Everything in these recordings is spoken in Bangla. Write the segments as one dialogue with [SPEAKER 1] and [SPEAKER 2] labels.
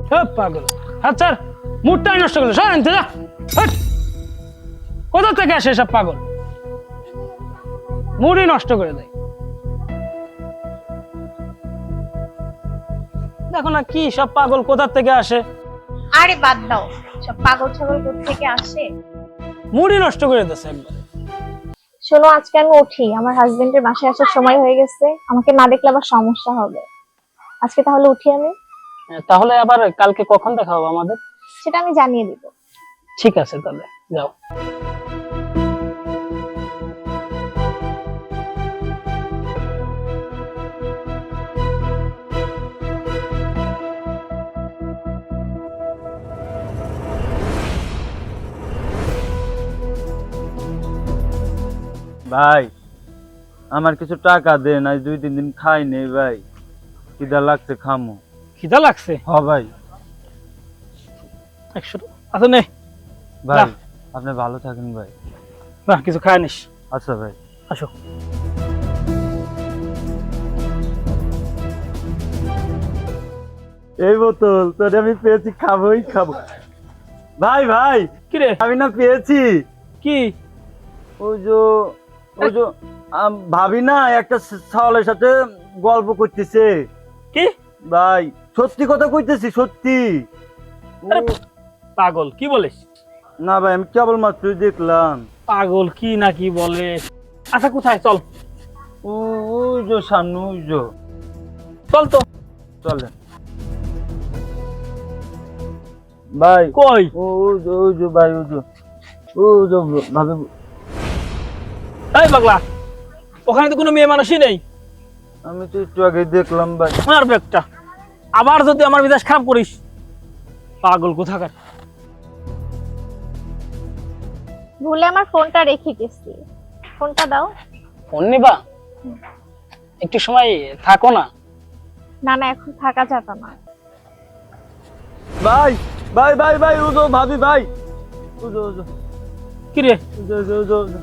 [SPEAKER 1] পাগল। আচ্ছা মুডটাই নষ্ট করলো, সর আনতে যা। কোথা থেকে আসে সব পাগল, মুডই নষ্ট করে দেয়। দেখো না কি সব পাগল কোথা থেকে আসে।
[SPEAKER 2] আরে বাদ দাও, সব পাগল ছাগল কোথা থেকে আসে।
[SPEAKER 1] মুডই নষ্ট করে দিচ্ছে একবার।
[SPEAKER 2] শোনো, আজকে আমি উঠি, আমার হাজবেন্ডের বাসায় আসার সময় হয়ে গেছে, আমাকে না দেখলে আবার সমস্যা হবে। আজকে তাহলে উঠি আমি।
[SPEAKER 1] তাহলে আবার কালকে কখন দেখা হবে আমাদের?
[SPEAKER 2] সেটা আমি জানিয়ে দিব।
[SPEAKER 1] ঠিক আছে তাহলে যাও।
[SPEAKER 3] ভাই আমার কিছু টাকা দেন, আজ 2-3 দিন খাই নেই ভাই, খিদা লাগছে, খামো।
[SPEAKER 1] খিদা লাগছে?
[SPEAKER 3] হ ভাই।
[SPEAKER 1] 100 আচ্ছা নে
[SPEAKER 3] ভাই
[SPEAKER 1] রাখ।
[SPEAKER 3] আপনি ভালো থাকেন ভাই।
[SPEAKER 1] না কিছু খায় নিস।
[SPEAKER 3] আচ্ছা ভাই।
[SPEAKER 1] আসো।
[SPEAKER 3] এই বোতল তোরে আমি পেয়েছি, খাবোই খাবো। ভাই ভাই
[SPEAKER 1] কি রে?
[SPEAKER 3] আমি না পেয়েছি।
[SPEAKER 1] কি?
[SPEAKER 3] ওই যে ভাবি না একটা ছাওয়ালের সাথে গল্প করতেছে।
[SPEAKER 1] কি
[SPEAKER 3] ভাই সত্যি কথা কইতেছি, সত্যি।
[SPEAKER 1] আরে পাগল কি বলিস?
[SPEAKER 3] না ভাই আমি কেবল মাত্র দেখলাম।
[SPEAKER 1] পাগল কি না কি বলে। আচ্ছা কোথায়, চল।
[SPEAKER 3] ওই যে সামনে, ওই যে।
[SPEAKER 1] চল তো।
[SPEAKER 3] চলেন ভাই।
[SPEAKER 1] কই?
[SPEAKER 3] ওই যে ভাই, ওই যে ভাবি।
[SPEAKER 1] এই পাগলা, ওখানে তো কোনো মেয়ে মানুষই নেই।
[SPEAKER 3] আমি তো একটু আগে দেখলাম ভাই।
[SPEAKER 1] আমার ব্যাগটা আবার যদি আমার মেজাজ খারাপ করিস, পাগল কোথাকার।
[SPEAKER 2] ভুলে আমার ফোনটা রেখে গেছি, ফোনটা দাও।
[SPEAKER 1] ফোন নিবা? একটু সময় থাকো না।
[SPEAKER 2] না না, এখন থাকা যাবে না।
[SPEAKER 3] ভাই ভাই ভাই ভাই ও যে ভাবি ভাই। ও
[SPEAKER 1] কি রে?
[SPEAKER 3] যে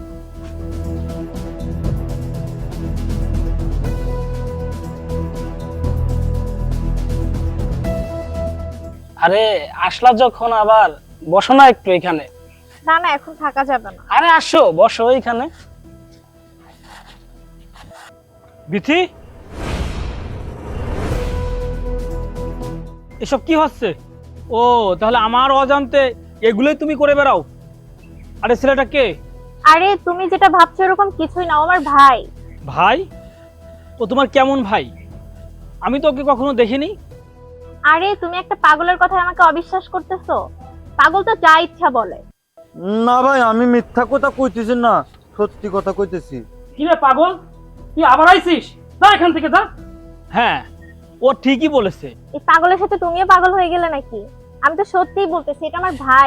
[SPEAKER 1] আরে আসলা যখন আবার বসো না একটু এখানে।
[SPEAKER 2] না না, এখন থাকা যাবে না।
[SPEAKER 1] আরে আসো বসো এইখানে। বিথি, এসব কি হচ্ছে? ও তাহলে আমার অজান্তে এগুলোই তুমি করে বেড়াও। আরে ছেলেটা কে?
[SPEAKER 2] আরে তুমি যেটা ভাবছো এরকম কিছুই না, ও আমার ভাই।
[SPEAKER 1] ভাই? ও তোমার কেমন ভাই? আমি তো ওকে কখনো দেখিনি।
[SPEAKER 2] আরে তুমি একটা পাগলের কথায় আমাকে অবিশ্বাস করতেছো? পাগল তো যা ইচ্ছা বলে।
[SPEAKER 3] না ভাই আমি মিথ্যা কথা কইতেছি না, সত্যি কথা কইতেছি।
[SPEAKER 1] কি রে পাগল, তুই আবার আইছিস? যা এখান থেকে যা। হ্যাঁ ও ঠিকই বলেছে।
[SPEAKER 2] এই পাগলের সাথে তুমিও পাগল হয়ে গেলে নাকি? আমি তো সত্যিই বলতেছি, এটা আমার ভাই।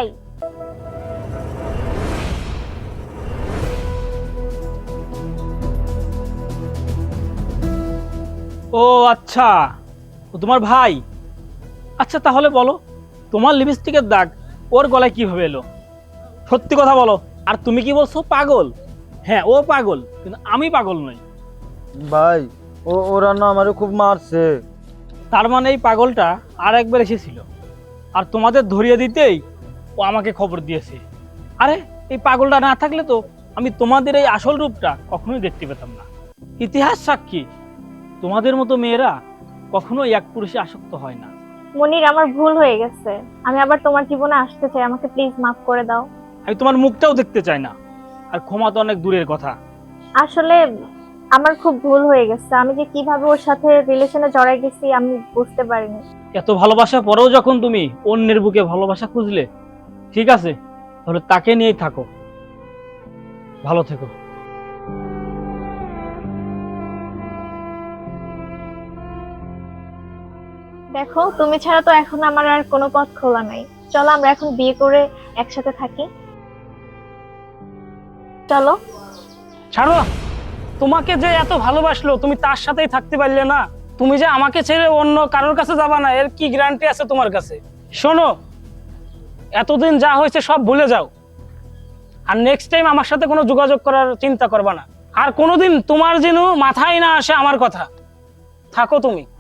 [SPEAKER 1] ও আচ্ছা, ও তোমার ভাই। আচ্ছা তাহলে বলো, তোমার লিপস্টিকের দাগ ওর গলায় কিভাবে এলো? সত্যি কথা বলো। আর তুমি কি বলছো পাগল? হ্যাঁ ও পাগল, কিন্তু আমি পাগল নই।
[SPEAKER 3] ভাই ওরা না আমারে খুব মারছে।
[SPEAKER 1] তার মানে এই পাগলটা আর একবার এসেছিল, আর তোমাদের ধরিয়ে দিতেই ও আমাকে খবর দিয়েছে। আরে এই পাগলটা না থাকলে তো আমি তোমাদের এই আসল রূপটা কখনোই দেখতে পেতাম না। ইতিহাস সাক্ষী, তোমাদের মতো মেয়েরা কখনোই এক পুরুষে আসক্ত হয় না।
[SPEAKER 2] মনির, আমার ভুল হয়ে গেছে, আমি আবার তোমার জীবনে আসতে চাই, আমাকে প্লিজ মাফ করে দাও।
[SPEAKER 1] আমি তোমার মুখটাও দেখতে চাই না, আর ক্ষমা তো অনেক দূরের কথা।
[SPEAKER 2] আসলে আমার খুব ভুল হয়ে গেছে, আমি যে কিভাবে ওর সাথে রিলেশনে জড়াই গেছি আমি বুঝতে পারিনি।
[SPEAKER 1] এত ভালোবাসা পরেও যখন তুমি অন্যের বুকে ভালোবাসা খুঁজলে, ঠিক আছে তাহলে তাকে নিয়েই থাকো, ভালো থেকো।
[SPEAKER 2] দেখো, তুমি ছাড়া তো এখন আমার আর কোনো পথ খোলা নাই। চলো আমরা এখন বিয়ে করে একসাথে থাকি, চলো।
[SPEAKER 1] ছাড়ো, তোমাকে যে এত ভালোবাসলো তুমি তার সাথেই থাকতে পারলে না? তুমি যে আমাকে ছেড়ে অন্য কারোর কাছে যাবা না, এর কি গ্যারান্টি আছে তোমার কাছে? শোনো, এতদিন যা হয়েছে সব ভুলে যাও, আর নেক্সট টাইম আমার সাথে কোনো যোগাযোগ করার চিন্তা করবা না। আর কোনোদিন তোমার যেন মাথায় না আসে আমার কথা। থাকো তুমি।